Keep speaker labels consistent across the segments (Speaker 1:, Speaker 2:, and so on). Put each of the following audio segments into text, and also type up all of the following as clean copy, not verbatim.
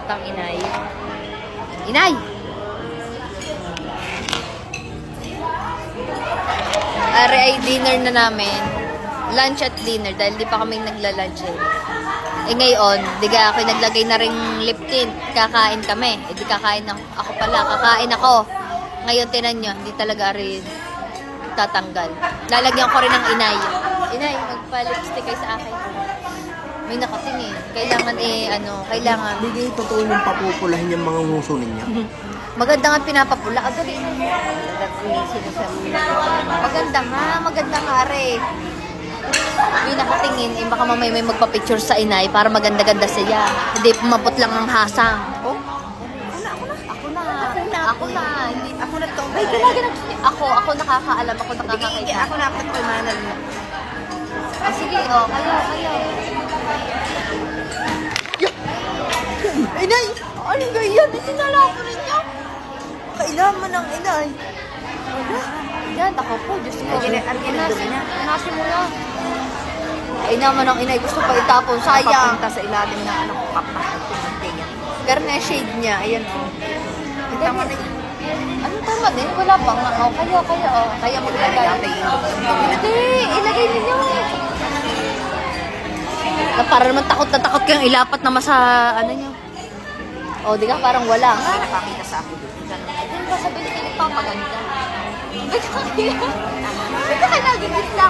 Speaker 1: ang inay. Inay! Are ay dinner na namin. Lunch at dinner dahil di pa kami nagla-lunch eh. Eh ngayon, di ka ako naglagay na ring lip tint. Kakain kami. Eh di kakain ako pala. Kakain ako. Ngayon tinan nyo, hindi talaga rin tatanggal. Lalagyan ko rin ng inay. Inay, magpa-lipstick kayo sa akin. May nakatingin. Kailangan kailangan.
Speaker 2: Hindi kayo totoo yung papupulahin yung mga nguso ninyo.
Speaker 1: Maganda nga pinapapula. Dali na yan. Maganda nga, are. May nakatingin, baka mamay may magpa-picture sa inay para maganda-ganda siya. Hindi mabot lang ang hasang. Oh? Ako na. Hindi, ako na to. Ay, ako nakakaalam, ako nakakakita.
Speaker 3: Ako na ako manal mo.
Speaker 1: Oh, sige, kayo.
Speaker 3: Inay! Ano ba yan? Sinala ko ninyo. Kailangan ng inay.
Speaker 1: Yan, ako po, Diyos ko.
Speaker 3: Nasi mo na.
Speaker 1: Ay naman ang inay, gusto pa itapon, sayang.
Speaker 3: Papunta sa ilalim ng ano ko kapatid ko.
Speaker 1: Pero na shade niya, ayan o.
Speaker 3: Tama na yun.
Speaker 1: Ano tama din? Wala pa nga. Oh, kaya maglagay. Hindi, ilagay ninyo. Para naman takot na takot kayong ilapat naman sa ano nyo. O, di ka parang wala.
Speaker 3: May nakakita sa akin dito.
Speaker 1: Hindi ba sabi nila nagpapaganda? Ba't ka nagigitla?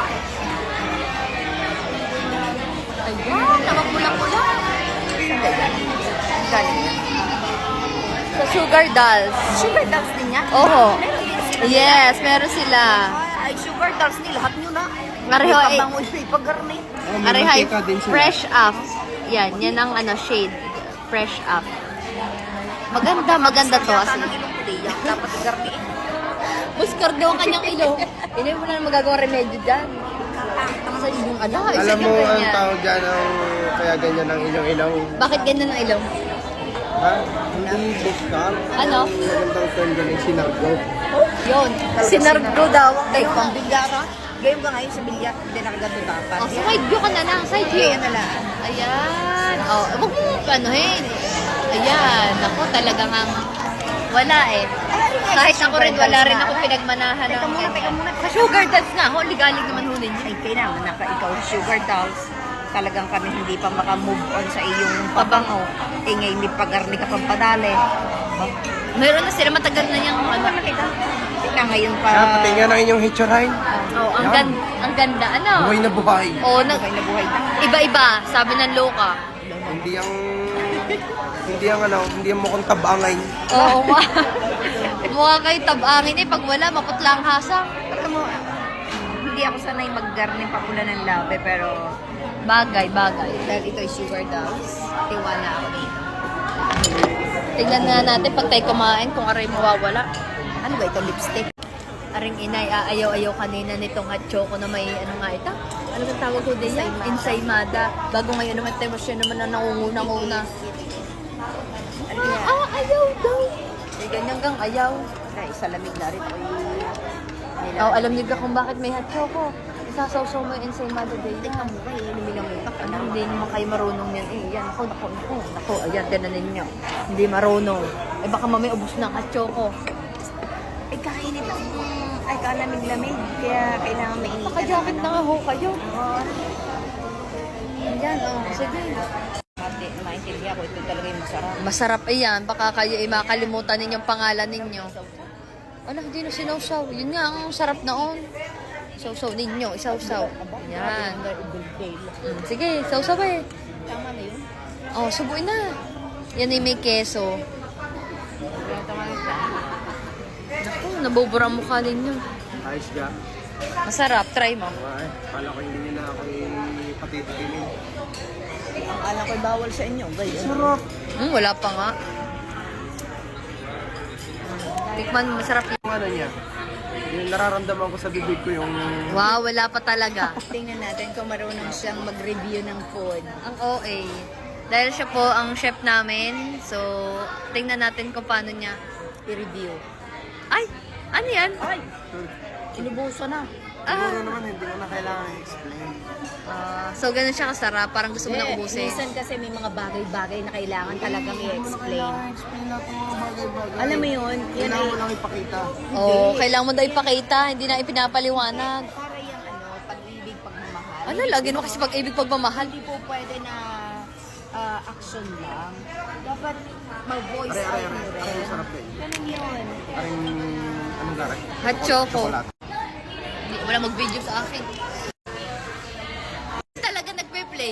Speaker 1: Ayan, namapula-pula.
Speaker 3: Galing yan.
Speaker 1: Sa Sugar Dolls.
Speaker 3: Sugar dolls din yan?
Speaker 1: Oho.
Speaker 3: Meron din sila.
Speaker 1: Yes, meron sila.
Speaker 3: Ay, sugar dolls ni lahat nyo na.
Speaker 1: Areho,
Speaker 3: May pabangoy, may pagarni.
Speaker 1: Arehay, fresh up. Yan ang shade. Fresh up. Maganda to.
Speaker 3: Yata ng ilong puti yan. Dapat garni.
Speaker 1: Muskar daw ang kanyang ilong. Hindi mo na magagawa remedyo dyan. Sa ilong
Speaker 2: Alam mo ang tawag dyan ang kaya ganyan ang ilong-ilong.
Speaker 1: Bakit ganyan ang ilong?
Speaker 2: Ha? Hindi buskal.
Speaker 1: Ano?
Speaker 2: Magandang term dyan ay sinargo.
Speaker 1: Yun. Sinargo daw.
Speaker 3: Kayo pang bilyara. Gayong ka ngayon sa bilyar. Hindi nakaganto dapat.
Speaker 1: Oh, side view ka na lang. Side view.
Speaker 3: Kaya na lang.
Speaker 1: Ayan. Oh, wag mo anuhin. Ayan. Ako talagang wala eh. Kahit ako rin, wala rin ako pinagmanahan.
Speaker 3: Teka muna.
Speaker 1: Sa Sugar Dolls nga, ligalig naman hunin yun.
Speaker 3: Ay, kailangan na ikaw sugar dolls. Talagang kami hindi pa maka-move on sa iyong pabango. Eh, ngayon may pagarni ka pang padali.
Speaker 1: Meron na sila, matagal na yung
Speaker 3: Nakita? Tika ngayon pa.
Speaker 2: Pati nga ng inyong hitchurain.
Speaker 1: Oh, ang ganda, ano?
Speaker 2: Buhay na buhay.
Speaker 1: Oh,
Speaker 3: Buhay na buhay na.
Speaker 1: iba-iba, sabi ng loka.
Speaker 2: Hindi ang mukhang tabangay.
Speaker 1: Oo nga. Mukha kayo tabangin eh. Pag wala, maputla ang hasang.
Speaker 3: Alam mo, hindi ako sanay mag-garni pa pula ng labe, pero
Speaker 1: Bagay.
Speaker 3: dahil ito ay sugar dolls, tiwala ako dito.
Speaker 1: Tingnan nga natin pag tayo kumain kung aray mawawala.
Speaker 3: Ano ba ito? Lipstick?
Speaker 1: Aring inay, ayaw kanina nitong hot choco na may ano nga ito? Ano bang tawag ko din yan? Ensaymada. Bago ngayon naman tayo siya naman na nangunguna-nguna. Ayaw daw. Eh, ganyan gang ayaw.
Speaker 3: Kaya isalamig na rin.
Speaker 1: Oh, alam niyo ba kung bakit may hot choco? Isasawsaw mo yung ensaymada day.
Speaker 3: Tingnan mo ba, lumilang-utak.
Speaker 1: Ano, hindi naman kayo marunong yan. Eh, yan. Nako, ayan, tinan ninyo. Hindi marunong. Eh, baka mamay ubos ng hot choco.
Speaker 3: Eh, kainit lang. Ay, kalamig-lamig. Kaya kailangan mainit.
Speaker 1: Naka-jacket na nga ho kayo. Ayan, sige.
Speaker 3: Maintindihan ko, ito talaga yung masarap.
Speaker 1: Masarap iyan. Baka kayo makalimutan ninyong pangalan ninyo. Ano, hindi na sinawsaw. Yun nga, ang sarap noon. Sausaw ninyo, isawsaw. Yan. Sige, sausaw eh.
Speaker 3: Tama na yun.
Speaker 1: Oh, subuin na. Yan ay may keso. Naku, nabubura ang mukha ninyo.
Speaker 2: Ayos ka.
Speaker 1: Masarap, try mo.
Speaker 2: Ay, kala ko hindi nila ako patitinin.
Speaker 3: Ang alam ko'y bawal sa inyo. Ganyan.
Speaker 2: Sarap.
Speaker 1: Wala pa nga. Tikman mo, masarap yun.
Speaker 2: Yung ano niya, yung nararamdaman ko sa bibig ko yung...
Speaker 1: Wow, wala pa talaga.
Speaker 3: Tingnan natin kung marunong siyang mag-review ng food.
Speaker 1: Ang OA. Dahil siya po ang chef namin, so tingnan natin kung paano niya i-review. Ay! Ano yan?
Speaker 3: Ay! Inubuso na.
Speaker 2: Siguro naman hindi mo na kailangan i-explain.
Speaker 1: So, ganun siya kasarap. Parang gusto mo na ubusin.
Speaker 3: Minsan kasi may mga bagay-bagay na kailangan talagang i-explain.
Speaker 2: I-explain lahat ng mga bagay-bagay.
Speaker 3: Alam mo yun, yan
Speaker 2: Kailangan
Speaker 3: ay
Speaker 2: mo lang ipakita.
Speaker 1: Oo, kailangan mo daw ipakita. Hindi na ipinapaliwanag.
Speaker 3: para yung pag-ibig, pagmamahal.
Speaker 1: Ano, lagi mo kasi pag-ibig pagmamahal.
Speaker 3: Hindi po pwede na action lang. Dapat mag-voice out mo
Speaker 2: Aray,
Speaker 3: rin.
Speaker 2: sarap din.
Speaker 3: Ganun yun.
Speaker 2: Aring, anong garak?
Speaker 1: Hot choco.
Speaker 2: Chocolate.
Speaker 1: Hindi, wala mag-video sa akin. Talaga nagpe-play.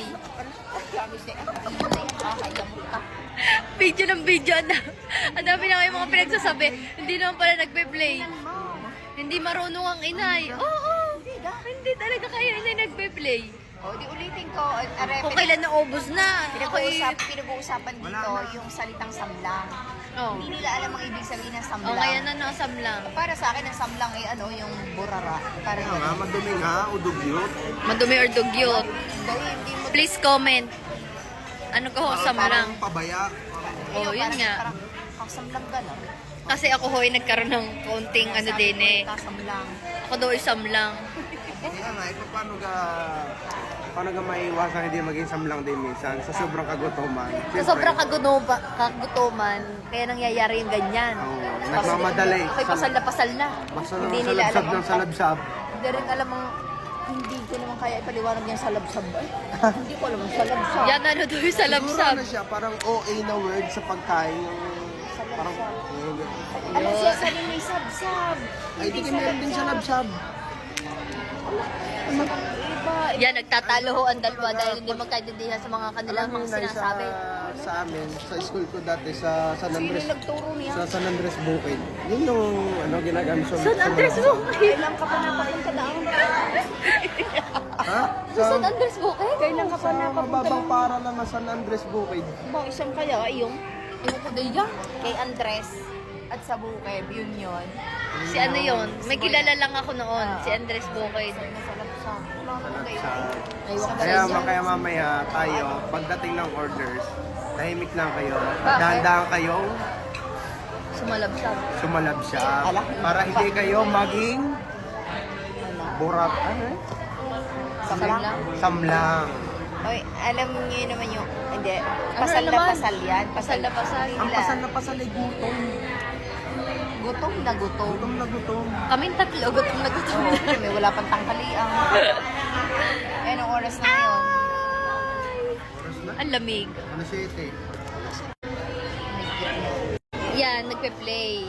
Speaker 1: Video ng video. Ang dami na kayo mga pinagsasabi. Hindi naman pala nagpe-play. Hindi marunong ang inay. Oo. Hindi talaga kayo inay nagpe-play.
Speaker 3: O, di ulitin ko.
Speaker 1: Kung kailan naubos na.
Speaker 3: Pinag-uusapan dito yung salitang samlang.
Speaker 1: Oh.
Speaker 3: Hindi nila alam ang ibig sabihin ng samlang.
Speaker 1: O kaya na nakasablang.
Speaker 3: Para sa akin, ang samlang ay yung burara. Para
Speaker 2: Kaya nga, madumi nga, udugyot.
Speaker 1: Madumi or dugyot.
Speaker 3: hindi mo...
Speaker 1: Please comment. Ano ka ho, samlang?
Speaker 2: Parang pabaya.
Speaker 1: Oo, yun nga.
Speaker 3: Parang kasamlang ka lang.
Speaker 1: Kasi ako ho'y nagkaroon ng kaunting ano din eh.
Speaker 3: Kasamlang.
Speaker 1: Ako daw ay samlang.
Speaker 2: Kaya nga, paano ka maiiwasan hindi maging samlang din minsan sa sobrang kagutuman.
Speaker 1: Sa sobrang kagutuman, kaya nangyayari yung ganyan.
Speaker 2: Oo, nagmamadali.
Speaker 1: Ako'y pasal na pasal na.
Speaker 2: Basta
Speaker 3: Hindi
Speaker 2: nang
Speaker 3: nila
Speaker 2: salabsab
Speaker 3: alam
Speaker 2: ng salabsab.
Speaker 3: Hindi rin alam ang... Hindi ko naman kaya ipaliwanag yan sa labsab. Hindi ko alam ang sa labsab.
Speaker 1: Yan ano doon sa
Speaker 2: Siguro
Speaker 1: labsab.
Speaker 2: ano siya, parang OA na word sa pagkain. Parang,
Speaker 3: Alam siya sa may sabsab.
Speaker 2: ay, di meron din sa labsab.
Speaker 3: Iba.
Speaker 1: Yan, nagtatalo ho ang dalawa dahil hindi magkaintindihan sa mga kanilang
Speaker 2: Alam mo,
Speaker 1: mga
Speaker 2: Nay,
Speaker 1: sinasabi.
Speaker 2: sa amin, sa school ko dati, sa San
Speaker 3: Sino
Speaker 2: Andres,
Speaker 3: yung nagturo niya?
Speaker 2: sa San Andres Bukid. Yun yung ginagamit sa
Speaker 1: San Andres Bukid?
Speaker 3: Kailan ka pa napapunta doon?
Speaker 2: Ha?
Speaker 1: Sa San Andres Bukid?
Speaker 3: Kailan ka pa
Speaker 2: Sa
Speaker 3: napapunta
Speaker 2: mababang
Speaker 3: doon?
Speaker 2: para lang ng San Andres Bukid.
Speaker 3: Ba, isang kaya yung
Speaker 1: Ewan ko din yan.
Speaker 3: kay Andres at sa Bukeb, yun.
Speaker 1: Si ano yun? May kilala lang ako noon. Si Andres Bukid.
Speaker 3: Sa labsab. Wala ko kayo.
Speaker 1: Aywan ko
Speaker 2: Kaya,
Speaker 1: rin yun.
Speaker 2: kaya mamaya tayo, pagdating ng orders, tahimik lang kayo.
Speaker 1: Bakit?
Speaker 2: Dahan-dahan kayong
Speaker 1: Sumalabsab.
Speaker 2: sumalabsyab.
Speaker 3: Ala.
Speaker 2: Para hindi kayo maging burat. Ano eh?
Speaker 1: Samlang.
Speaker 2: Samlang.
Speaker 3: Oy, alam niyo naman yung, hindi,
Speaker 1: Ano
Speaker 3: pasal na
Speaker 1: naman?
Speaker 3: pasal yan.
Speaker 1: Pasal na pasal.
Speaker 2: Ang pasal na pasal ay gutom.
Speaker 3: Gutom na gutom.
Speaker 2: Gutom na gutom.
Speaker 1: Kaming tatlo, gutom na gutom
Speaker 3: Oo,
Speaker 1: na.
Speaker 3: may wala pang tanghalian. Eh, anong oras na yun?
Speaker 2: Oras na?
Speaker 1: Ang lamig.
Speaker 2: Ano siya ito eh?
Speaker 1: Yan, nagpe-play.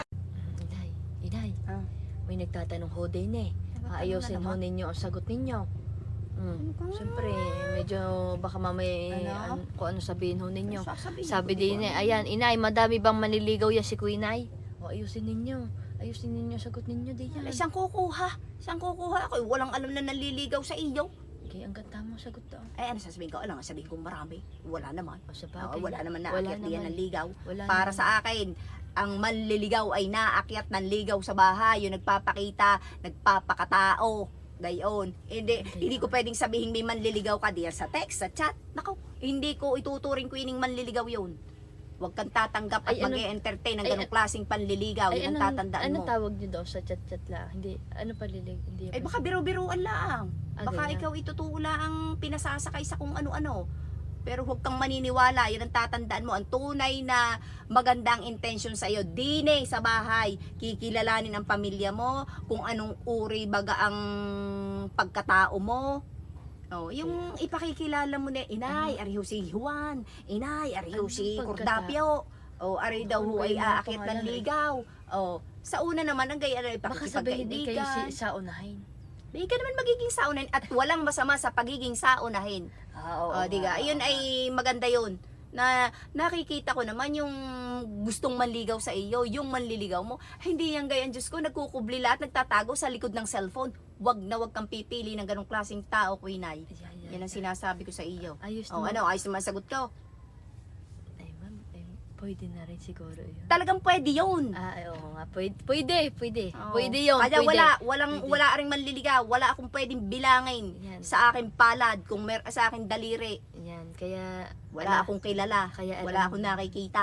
Speaker 1: Inay, may nagtatanong ho din eh. Ayusin ho ninyo ang sagot ninyo. Siyempre, medyo baka mamaya kung ano sabihin ho ninyo. Sabi din eh, ayan, inay, madami bang manliligaw yan si Quinay? O ayusin ninyo. Ayusin ninyo ang sagot ninyo din yan.
Speaker 3: Saan kukuha? Saan kukuha? Ako, walang alam na naliligaw sa iyo.
Speaker 1: Okay, ang ganda mo sagot daw.
Speaker 3: Eh, ano sasabihin ko? Alam, sabihin ko marami. Wala naman.
Speaker 1: O sa bagay.
Speaker 3: Wala naman na
Speaker 1: Wala
Speaker 3: akyat diyan
Speaker 1: naman.
Speaker 3: ng ligaw.
Speaker 1: Wala
Speaker 3: Para
Speaker 1: naman.
Speaker 3: sa akin, ang manliligaw ay naakyat ng ligaw sa bahay. Yung nagpapakita, nagpapakatao. Gayon. Hindi ko pwedeng sabihin may manliligaw ka diyan sa text, sa chat. Nako, hindi ko ituturing ko ining manliligaw yun. Huwag kang tatanggap at
Speaker 1: Ay, ano-
Speaker 3: mag-e-entertain ng
Speaker 1: ay,
Speaker 3: ganong klaseng panliligaw.
Speaker 1: Ay,
Speaker 3: Yun ang tatandaan
Speaker 1: ano
Speaker 3: mo.
Speaker 1: tawag niyo daw sa chat-chat lang? Hindi, ano palilig? Hindi.
Speaker 3: Eh baka biro-biroan lang.
Speaker 1: Ah,
Speaker 3: Baka
Speaker 1: ganyan.
Speaker 3: ikaw itutuula ang pinasasakay sa kung ano-ano. Pero huwag kang maniniwala. Yan ang tatandaan mo. Ang tunay na magandang intention sa iyo. Dine sa bahay. Kikilalanin ang pamilya mo. Kung anong uri baga ang pagkatao mo. Oh, yung ipakikilala mo na, inay, ariho si Juan. Inay, ariho
Speaker 1: Anong
Speaker 3: si
Speaker 1: pagkata-
Speaker 3: Cordapio. Oh, ari daw ho ay
Speaker 1: Ano yung
Speaker 3: aakit ng
Speaker 1: pangalan?
Speaker 3: ligaw. Oh, sa una naman, ang gaya na
Speaker 1: Baka sabihin din kayo
Speaker 3: ipakikipagkaibigan.
Speaker 1: sa unahin.
Speaker 3: Hindi ka naman magiging saunahin at walang masama sa pagiging saunahin.
Speaker 1: Oo.
Speaker 3: Diga, yun ay maganda yun. Na nakikita ko naman yung gustong manligaw sa iyo, yung manliligaw mo. Hindi yan gayan, Diyos ko, nagkukubli lahat, nagtatago sa likod ng cellphone. Wag na wag kang pipili ng ganong klaseng tao, Quinay. Yan ang sinasabi ko sa iyo.
Speaker 1: Ayos
Speaker 3: Oh,
Speaker 1: naman.
Speaker 3: ano, ayos naman sagot ko.
Speaker 1: Ay, ma'am, pwede na rin siguro yun.
Speaker 3: Talagang pwede yun.
Speaker 1: Ay, oo nga. Pwede.
Speaker 3: Oo.
Speaker 1: Pwede yun.
Speaker 3: Kaya
Speaker 1: pwede.
Speaker 3: wala ring manliligaw. Wala akong pwedeng bilangin
Speaker 1: Yan.
Speaker 3: sa aking palad, kung sa aking daliri.
Speaker 1: Yan, kaya...
Speaker 3: Wala akong kilala.
Speaker 1: Kaya
Speaker 3: Wala
Speaker 1: alam-
Speaker 3: akong nakikita.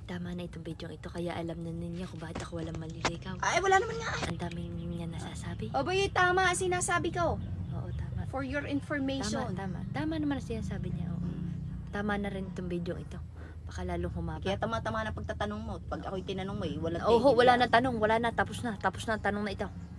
Speaker 1: Tama na itong video ito, kaya alam na ninyo kung bakit ako walang maliligaw.
Speaker 3: Ay, wala naman nga.
Speaker 1: Ang daming nga nasasabi.
Speaker 3: Abay, tama ang sinasabi ko.
Speaker 1: Oo, tama.
Speaker 3: For your information.
Speaker 1: Tama naman ang sinasabi niya. Oo. Tama na rin itong video ito. Baka lalong humaba.
Speaker 3: Kaya tama-tama na pagtatanong mo. Pag ako'y tinanong mo, wala
Speaker 1: Oo, wala na tanong. Wala na. Tapos na. Tapos na ang tanong na ito.